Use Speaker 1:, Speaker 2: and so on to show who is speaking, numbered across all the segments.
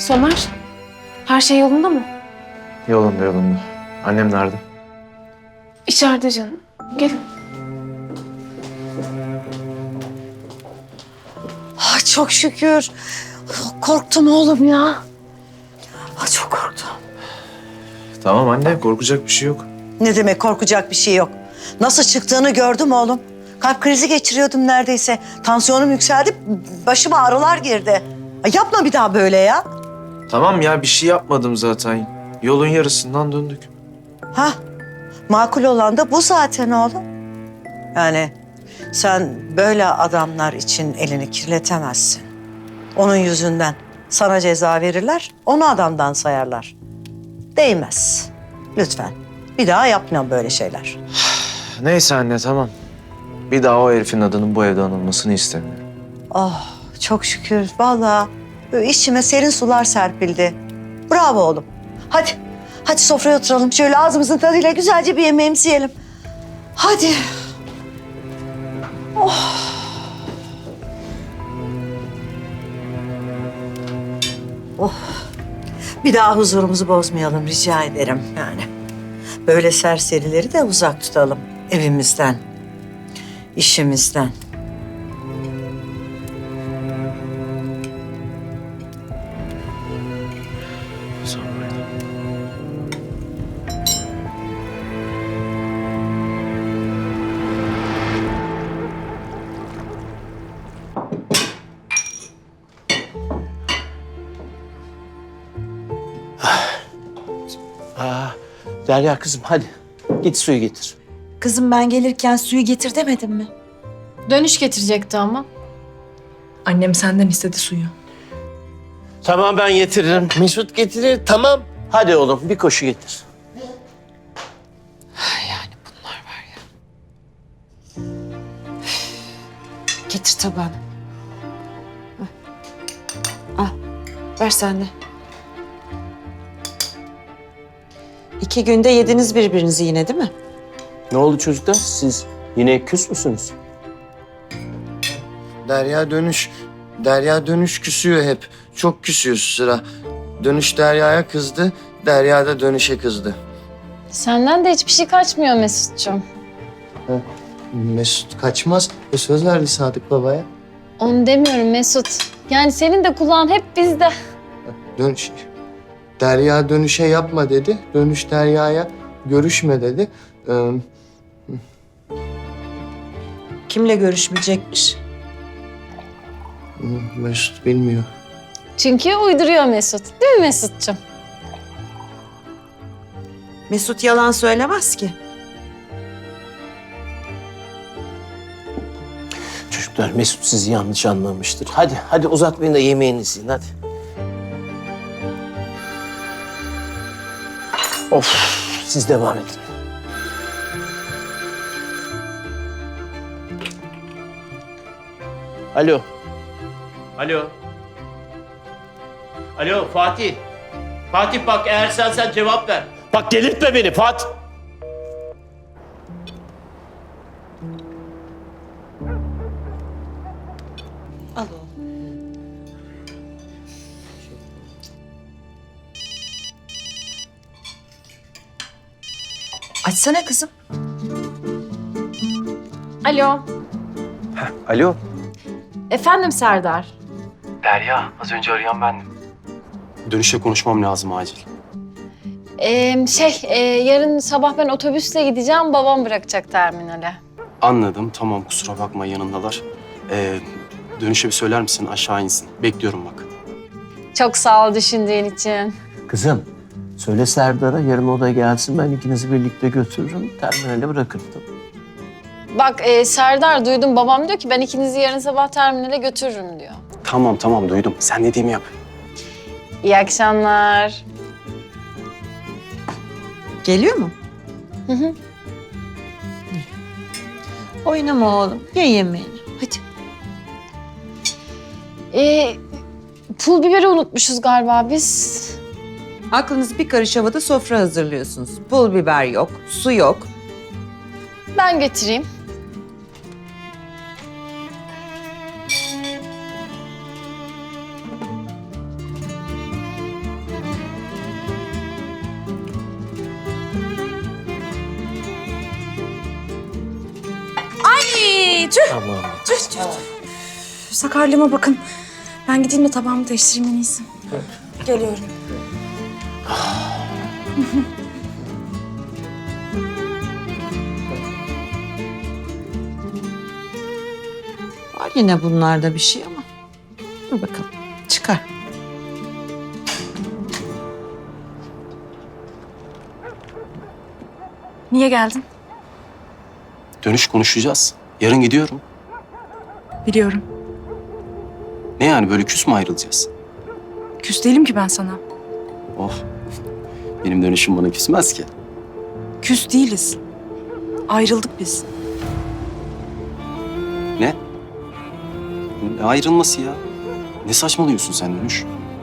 Speaker 1: Somer, her şey yolunda mı?
Speaker 2: Yolunda yolunda. Annem nerede?
Speaker 1: İçeride canım. Gelin.
Speaker 3: Ay çok şükür. Korktum oğlum ya. Ay çok korktum.
Speaker 2: Tamam anne, korkacak bir şey yok.
Speaker 3: Ne demek korkacak bir şey yok. Nasıl çıktığını gördüm oğlum. Kalp krizi geçiriyordum neredeyse. Tansiyonum yükseldi, başıma ağrılar girdi. Ay yapma bir daha böyle ya.
Speaker 2: Tamam ya, bir şey yapmadım zaten. Yolun yarısından döndük.
Speaker 3: Ha, makul olan da bu zaten oğlum. Yani sen böyle adamlar için elini kirletemezsin. Onun yüzünden sana ceza verirler, onu adamdan sayarlar. Değmez. Lütfen. Bir daha yapma böyle şeyler.
Speaker 2: Neyse anne, tamam. Bir daha o herifin adının bu evde anılmasını istemiyorum.
Speaker 3: Oh, çok şükür. Vallahi böyle içime serin sular serpildi. Bravo oğlum. Hadi, hadi sofraya oturalım. Şöyle ağzımızın tadıyla güzelce bir yemeğimizi yiyelim. Hadi. Oh. Bir daha huzurumuzu bozmayalım rica ederim yani. Böyle serserileri de uzak tutalım evimizden, işimizden.
Speaker 2: Sonra.
Speaker 4: Derya kızım hadi git suyu getir.
Speaker 5: Kızım ben gelirken suyu getir demedim mi?
Speaker 1: Dönüş getirecekti ama.
Speaker 6: Annem senden istedi suyu.
Speaker 4: Tamam ben getiririm. Mesut getirir tamam. Hadi oğlum bir koşu getir.
Speaker 5: Getir tabağını. Al, ver sen de. 2 günde yediniz birbirinizi yine değil mi?
Speaker 4: Ne oldu çocuklar siz yine küs müsünüz?
Speaker 7: Derya dönüş küsüyor hep. Çok küsüyor şu sıra. Dönüş Derya'ya kızdı, Derya da dönüşe kızdı.
Speaker 1: Senden de hiçbir şey kaçmıyor Mesut'cum.
Speaker 7: Mesut kaçmaz. Söz verdi Sadık babaya.
Speaker 1: Onu demiyorum Mesut. Yani senin de kulağın hep bizde.
Speaker 7: Dönüş. Derya dönüşe yapma dedi. Dönüş Derya'ya görüşme dedi.
Speaker 5: Kimle görüşmeyecekmiş?
Speaker 7: Mesut bilmiyor.
Speaker 1: Çünkü uyduruyor Mesut. Değil mi Mesut'cum?
Speaker 5: Mesut yalan söylemez ki.
Speaker 4: Çocuklar Mesut sizi yanlış anlamıştır. Hadi uzatmayın da yemeğinizi yiyin hadi. Of siz devam edin. Alo. Alo. Alo Fatih. Fatih bak eğer sen cevap ver. Bak delirtme beni Fatih.
Speaker 5: Al oğlum. Açsana kızım.
Speaker 1: Alo.
Speaker 2: Alo.
Speaker 1: Efendim Serdar.
Speaker 8: Derya, az önce arayan bendim. Dönüşte konuşmam lazım acil.
Speaker 1: Yarın sabah ben otobüsle gideceğim. Babam bırakacak terminale.
Speaker 8: Anladım, tamam kusura bakma yanındalar. Dönüşe bir söyler misin aşağı insin? Bekliyorum bak.
Speaker 1: Çok sağ ol düşündüğün için.
Speaker 4: Kızım söyle Serdar'a yarın o da gelsin ben ikinizi birlikte götürürüm. Terminale bırakırım.
Speaker 1: Bak Serdar duydum. Babam diyor ki ben ikinizi yarın sabah terminale götürürüm diyor.
Speaker 8: Tamam duydum. Sen dediğimi yap.
Speaker 1: İyi akşamlar.
Speaker 5: Geliyor mu?
Speaker 1: Hı hı.
Speaker 5: Oynama oğlum. Ye yemeğini. Hadi.
Speaker 1: Pul biberi unutmuşuz galiba biz.
Speaker 5: Aklınız bir karış havada sofra hazırlıyorsunuz. Pul biber yok, su yok.
Speaker 1: Ben getireyim.
Speaker 6: tüh.
Speaker 2: Tamam.
Speaker 6: Sakarlığıma bakın. Ben gideyim de tabağımı değiştireyim en iyisi. Geliyorum.
Speaker 5: Var yine bunlarda bir şey ama. Dur bakalım. Çıkar.
Speaker 6: Niye geldin?
Speaker 8: Dönüş konuşacağız. Yarın gidiyorum.
Speaker 6: Biliyorum.
Speaker 8: Ne yani böyle küs mü ayrılacağız?
Speaker 6: Küs değilim ki ben sana.
Speaker 8: Oh. Benim dönüşüm bana küsmez ki.
Speaker 6: Küs değiliz. Ayrıldık biz.
Speaker 8: Ne? Ne ayrılması ya? Ne saçmalıyorsun sen Dönüş?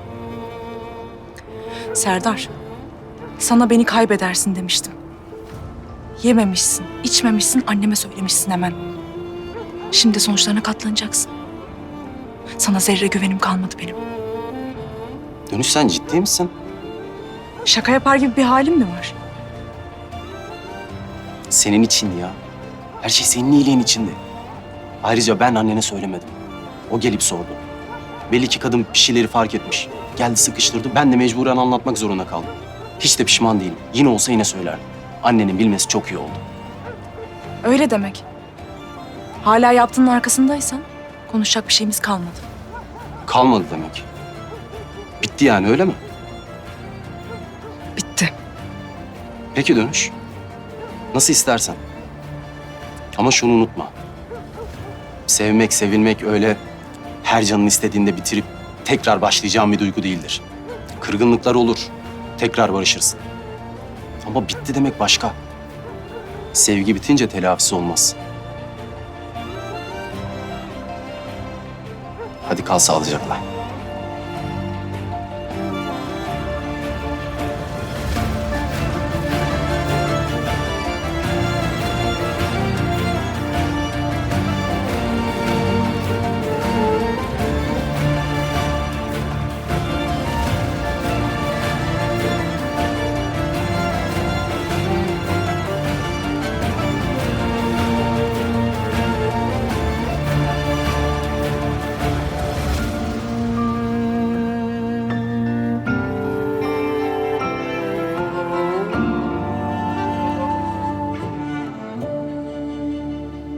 Speaker 6: Serdar, sana beni kaybedersin demiştim. Yememişsin, içmemişsin, anneme söylemişsin hemen. Şimdi sonuçlarına katlanacaksın. Sana zerre güvenim kalmadı benim.
Speaker 8: Dönüş sen ciddi misin?
Speaker 6: Şaka yapar gibi bir halim mi var?
Speaker 8: Senin için ya. Her şey senin iyiliğin içindi. Ayrıca ben annene söylemedim. O gelip sordu. Belli ki kadın bir şeyleri fark etmiş. Geldi sıkıştırdı. Ben de mecburen anlatmak zorunda kaldım. Hiç de pişman değilim. Yine olsa yine söylerdim. Annenin bilmesi çok iyi oldu.
Speaker 6: Öyle demek. Hala yaptığının arkasındaysan konuşacak bir şeyimiz kalmadı.
Speaker 8: Kalmadı demek. Bitti yani öyle mi?
Speaker 6: Bitti.
Speaker 8: Peki Dönüş. Nasıl istersen. Ama şunu unutma. Sevmek, sevilmek öyle her canın istediğinde bitirip tekrar başlayacağın bir duygu değildir. Kırgınlıklar olur. Tekrar barışırsın. Ama bitti demek başka. Sevgi bitince telafisi olmaz. Hadi kal sağlıcakla.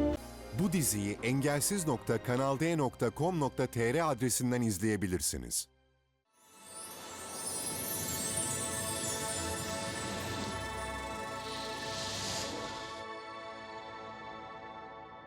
Speaker 9: Bu diziyi engelsiz.kanalde.com.tr adresinden izleyebilirsiniz.